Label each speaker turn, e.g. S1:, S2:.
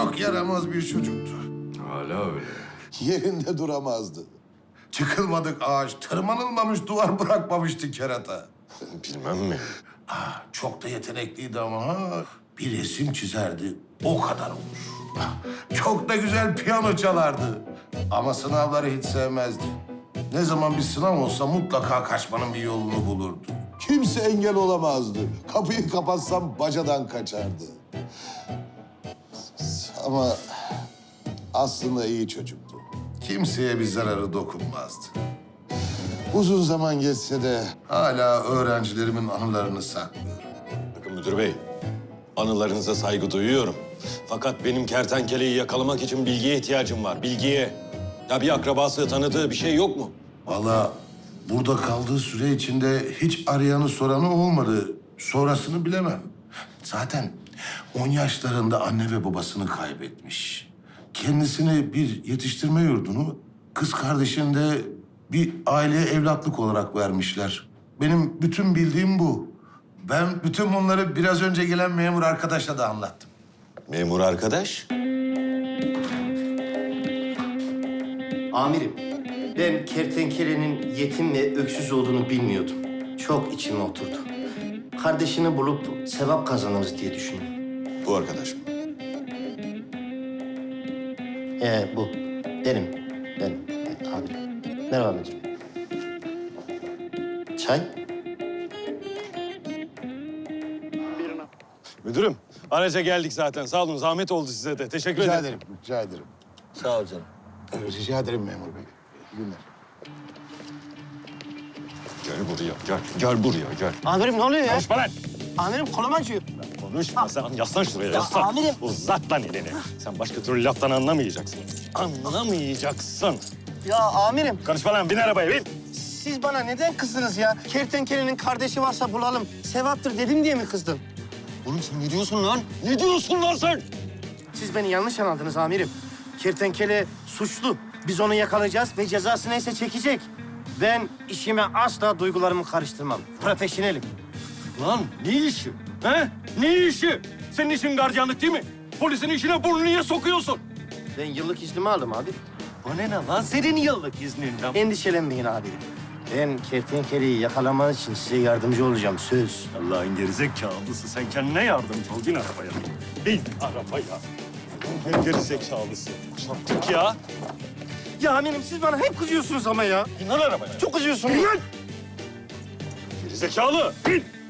S1: Çok yaramaz bir çocuktu.
S2: Hala öyle.
S1: Yerinde duramazdı. Çıkılmadık ağaç, tırmanılmamış duvar bırakmamıştı kerata.
S2: Bilmem mi?
S1: Çok da yetenekliydi ama ha. Bir resim çizerdi, o kadar olur. Çok da güzel piyano çalardı. Ama sınavları hiç sevmezdi. Ne zaman bir sınav olsa mutlaka kaçmanın bir yolunu bulurdu. Kimse engel olamazdı. Kapıyı kapatsam bacadan kaçardı. Ama aslında iyi çocuktu. Kimseye bir zararı dokunmazdı. Uzun zaman geçse de hala öğrencilerimin anılarını saklıyorum.
S2: Bakın müdür bey, anılarınıza saygı duyuyorum. Fakat benim kertenkeleyi yakalamak için bilgiye ihtiyacım var, bilgiye. Ya bir akrabası, tanıdığı bir şey yok mu?
S1: Vallahi burada kaldığı süre içinde hiç arayanı soranı olmadı. Sonrasını bilemem. Zaten 10 yaşlarında anne ve babasını kaybetmiş. Kendisine bir yetiştirme yurdunu, kız kardeşini de bir aileye evlatlık olarak vermişler. Benim bütün bildiğim bu. Ben bütün bunları biraz önce gelen memur arkadaşa da anlattım.
S2: Memur arkadaş.
S3: Amirim, ben kertenkelenin yetim ve öksüz olduğunu bilmiyordum. Çok içime oturdu. Kardeşini bulup sevap kazanırız diye düşündüm.
S2: Bu arkadaş mı?
S3: Bu. Benim. Amirim. Merhaba amirim. Çay?
S2: Müdürüm, araca geldik zaten. Sağ olun, zahmet oldu size de. Teşekkür
S1: Rica
S2: ederim.
S1: ederim, rica ederim.
S3: Sağ ol canım.
S1: Rica ederim memur bey. İyi günler.
S2: Gel buraya, gel. Gel buraya, gel.
S3: Amirim ne oluyor ya?
S2: Konuşma lan!
S3: Amirim kolum acıyor.
S2: Konuşma sen. Yaslan şuraya, yaslan.
S3: amirim.
S2: Uzat lan elini. Sen başka türlü laftan anlamayacaksın. Anlamayacaksın.
S3: Ya amirim,
S2: Konuşma lan, bin arabaya, bin.
S3: siz bana neden kızdınız ya? Kertenkelenin kardeşi varsa bulalım. Sevaptır dedim diye mi kızdın?
S2: Oğlum sen ne diyorsun lan? Ne diyorsun lan sen?
S3: Siz beni yanlış anladınız amirim. Kertenkele suçlu. Biz onu yakalayacağız ve cezası neyse çekecek. Ben işime asla duygularımı karıştırmam. Profesyonelim.
S2: Lan ne işi? He? Ne işi? Senin işin gardiyanlık değil mi? Polisin işine burnunu niye sokuyorsun?
S3: Ben yıllık iznimi aldım abi.
S2: O ne lan? Senin yıllık izninden.
S3: Endişelenmeyin abi. Ben kertenkeleyi yakalamanız için size yardımcı olacağım, söz.
S2: Allah'ın gerizekalısı. Sen kendine yardımcı ol. Bin arabaya. Bin arabaya. Allah'ın gerizekalısı. Çattık ya.
S3: Ya amirim siz bana hep kızıyorsunuz ama ya.
S2: Bin lan arabaya.
S3: Çok kızıyorsunuz.
S2: Gerizekalı. Bin.